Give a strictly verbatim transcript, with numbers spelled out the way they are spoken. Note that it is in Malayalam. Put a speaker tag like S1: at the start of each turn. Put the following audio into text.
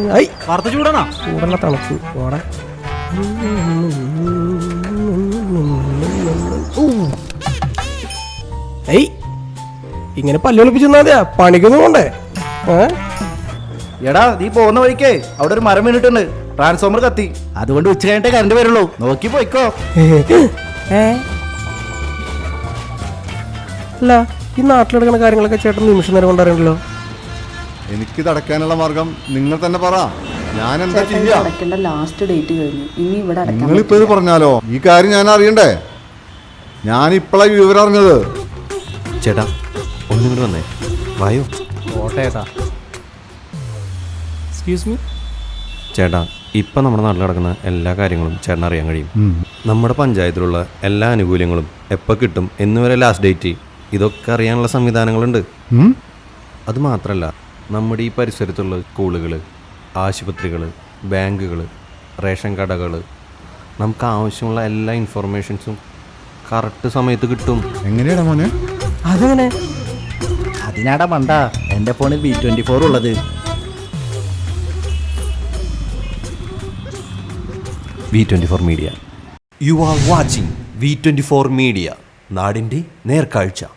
S1: വാർത്ത ചൂടാണോ?
S2: ചൂടുള്ള തണുപ്പ് ഓടെ. ഏയ് ഇങ്ങനെ പല്ലൊളിപ്പിച്ചു തന്നാ പണിക്കൊന്നും പോണ്ടേ?
S1: എടാ നീ പോകുന്ന വഴിക്കേ അവിടെ ഒരു മരം വീണിട്ടുണ്ട്. ട്രാൻസ്ഫോമർ കത്തി. അതുകൊണ്ട് ഉച്ച കഴിഞ്ഞിട്ടേ കറണ്ട് വരുള്ളൂ. നോക്കി പോയിക്കോ.
S2: അല്ല ഈ നാട്ടിലെടുക്കുന്ന കാര്യങ്ങളൊക്കെ ചേട്ടൻ നിമിഷം നേരം കൊണ്ടറിയണല്ലോ.
S3: എനിക്കിത് അടയ്ക്കാനുള്ള മാർഗം നിങ്ങൾ തന്നെ പറ. ഞാൻ എന്താ ചെയ്യാ?
S4: ലാസ്റ്റ് ഡേറ്റ് കഴിഞ്ഞു. ഇനി ഇവിടെ
S3: നിങ്ങളിപ്പോ ഇത് പറഞ്ഞാലോ? ഈ കാര്യം ഞാൻ അറിയണ്ടേ? ഞാൻ ഇപ്പോഴാണ് വിവരം അറിഞ്ഞത്.
S5: ചേട്ടാ ഒന്നും കൂടി വന്നേ. വായോ
S2: ഓട്ടേട്ടാ. എക്സ്ക്യൂസ് മീ
S5: ചേട്ടാ, ഇപ്പം നമ്മുടെ നാട്ടിൽ നടക്കുന്ന എല്ലാ കാര്യങ്ങളും ചേട്ടൻ അറിയാൻ കഴിയും. നമ്മുടെ പഞ്ചായത്തിലുള്ള എല്ലാ ആനുകൂല്യങ്ങളും എപ്പോൾ കിട്ടും എന്നുവരെ ലാസ്റ്റ് ഡേറ്റ്, ഇതൊക്കെ അറിയാനുള്ള സംവിധാനങ്ങളുണ്ട്. അത് മാത്രമല്ല, നമ്മുടെ ഈ പരിസരത്തുള്ള സ്കൂളുകൾ, ആശുപത്രികൾ, ബാങ്കുകൾ, റേഷൻ കടകൾ, നമുക്ക് ആവശ്യമുള്ള എല്ലാ ഇൻഫർമേഷൻസും കറക്റ്റ് സമയത്ത് കിട്ടും.
S3: എങ്ങനെയാടാ മോനെ?
S2: അതെങ്ങനെ?
S1: അതിനാടാ മണ്ട എൻ്റെ ഫോണിൽ ബി ട്വന്റി ഫോർ ഉള്ളത്.
S5: V twenty four media. You are watching V twenty four media, നാടിൻ്റെ നേർക്കാഴ്ച.